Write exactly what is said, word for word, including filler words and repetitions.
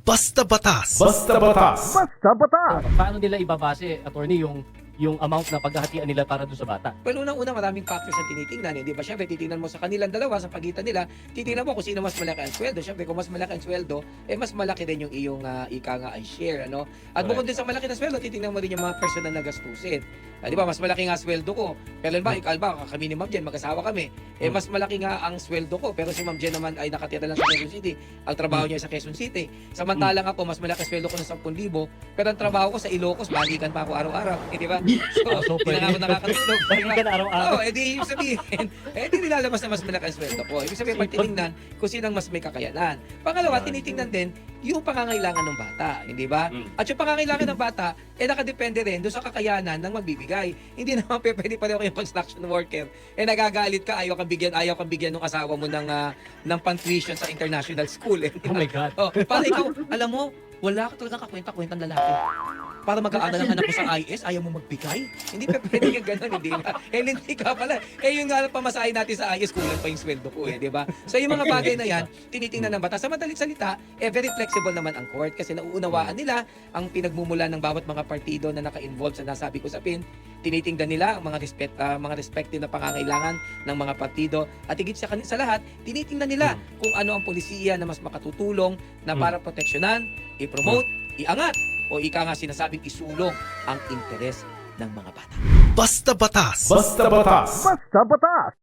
Basta Batas. Basta Batas. Basta Batas! Paano nila ibabase, attorney, yung yung amount na paghahatian nila para doon sa bata? Well, unang-una maraming factors ang tinitingnan. Hindi ba? Siyempre, titingnan mo sa kanilang dalawa, sa pagitan nila, titingnan mo kung sino mas malaki ang sweldo. Siyempre, kung mas malaki ang sweldo, eh mas malaki din yung iyong uh, ika nga ay share. Ano? At bukod din sa malaki na sweldo, titingnan mo rin yung mga personal na gastusin. Ah, di ba, mas malaki nga sweldo ko. Kailan ba, ikaw ba, kami ni Ma'am Jen, mag-asawa kami. Eh, mas malaki nga ang sweldo ko. Pero si Ma'am Jen naman ay nakatira lang sa Quezon City. Ang trabaho niya ay sa Quezon City. Samantalang ako, mas malaki sweldo ko ng ten thousand. Pero ang trabaho ko sa Ilocos, balikan pa ako araw-araw. Eh, di ba? So, So, hindi na nga ako nakakatulog. Balikan araw-araw. Oo, eh di ibig sabihin, eh di nilalabas na mas malaki ang sweldo ko. Ibig sabihin, pag tinignan kung sinang mas may kakayanan. Pangalawa, tinitingnan din yung pangangailangan ng bata, hindi ba? At yung pangangailangan ng bata, eh nakadepende rin doon sa kakayanan ng magbibigay. Hindi naman pe- pwede pareho kayong construction worker. Eh nagagalit ka, ayaw kang bigyan, ayaw kang bigyan ng asawa mo ng, uh, ng pang-tuition sa international school. Eh, Oh my God. Oh, para ikaw, alam mo, wala ka talagang kakwenta-kwentang lalaki. Para mag-aaral ang anak mo sa I S, ayaw mo magbigay? Hindi pa pwede yung gano'n, hindi ba? Eh, hindi ka pala. Eh, yung nga pamasahin natin sa I S, kulang pa yung sweldo ko eh, di ba? So, yung mga bagay na yan, tinitingnan ng batas. Sa madaling salita, eh, very flexible naman ang court kasi nauunawaan nila ang pinagmumula ng bawat mga partido na naka-involve sa nasabi ko sa pin. Tinitingnan nila ang mga respect, uh, mga respective na pangangailangan ng mga partido at higit sa, sa lahat, tinitingnan nila kung ano ang polisiya na mas makatutulong na para proteksyonan, i-promote, iangat, o ika nga sinasabing isulong ang interes ng mga bata. Basta Batas. Basta Batas. Basta Batas!